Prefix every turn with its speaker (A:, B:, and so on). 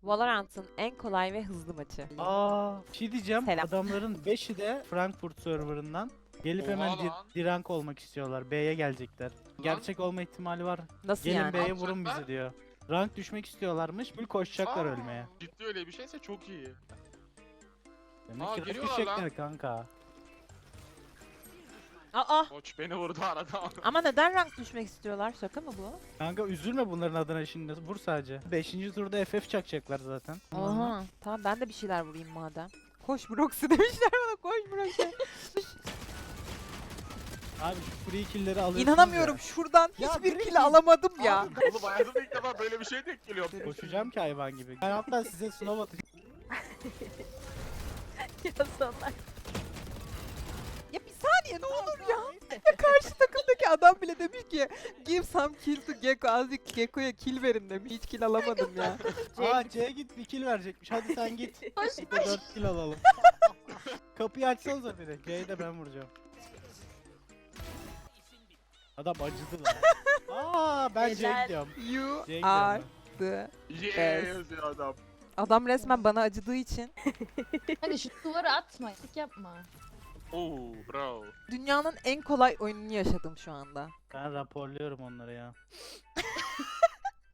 A: Valorant'ın en kolay ve hızlı maçı.
B: Bir şey diyeceğim.
A: Selam.
B: Adamların 5'i de Frankfurt serverından gelip hemen
C: Oha lan.
B: dirank olmak istiyorlar. B'ye gelecekler. Gerçek olma ihtimali var.
A: Nasıl
B: Gelin
A: yani?
B: B'ye
C: Ne
B: vurun bizi
C: yapacaklar?
B: diyor. Rank düşmek istiyorlarmış. Full koşacaklar
C: Aa,
B: ölmeye.
C: Ciddi öyle bir şeyse çok iyi.
B: Demek
C: Aa,
B: ki rank
C: geliyorlar
B: düşecekler
C: lan.
B: kanka.
A: Aa,
C: Koç beni vurdu arada.
A: ama neden rank düşmek istiyorlar? Şaka mı bu?
B: Kanka üzülme bunların adına şimdi. Vur sadece. 5. turda FF çakacaklar zaten.
A: Oha. Tamam ben de bir şeyler vurayım madem. Koş Broxy demişler bana. Koş Broxy.
B: Abi şu free kill'leri alıyorsunuz
A: İnanamıyorum
B: ya.
A: şuradan
B: Ya
A: hiçbir
B: direkt
A: kill alamadım ya.
C: Oğlum hayatımda ilk defa böyle bir şey denk geliyor.
B: Koşacağım ki hayvan gibi. Ben hatta size snow atacağım.
A: Ya bir saniye ne olur ya. Ya karşı takımdaki adam bile demiş ki give some kill to Gekko. Azıcık Gekko'ya kill verin demiş. Hiç kill alamadım ya.
B: C'ye git bir kill verecekmiş. Hadi sen git.
D: Koş
B: Bir de 4 kill alalım. Kapıyı biri. C'yi de ben vuracağım.
A: Adam
B: acıdı lan. Ben C'ye
D: Helal.
B: gidiyorum.
A: You
B: C'ye
A: are
B: gidiyorum.
A: the...
C: Yeah yazıyor adam.
A: Adam resmen bana acıdığı için
D: Hadi şu duvarı atma. Sık yapma.
C: Oo bro.
A: dünyanın en kolay oyununu yaşadım şu anda.
B: Ben raporluyorum onları ya.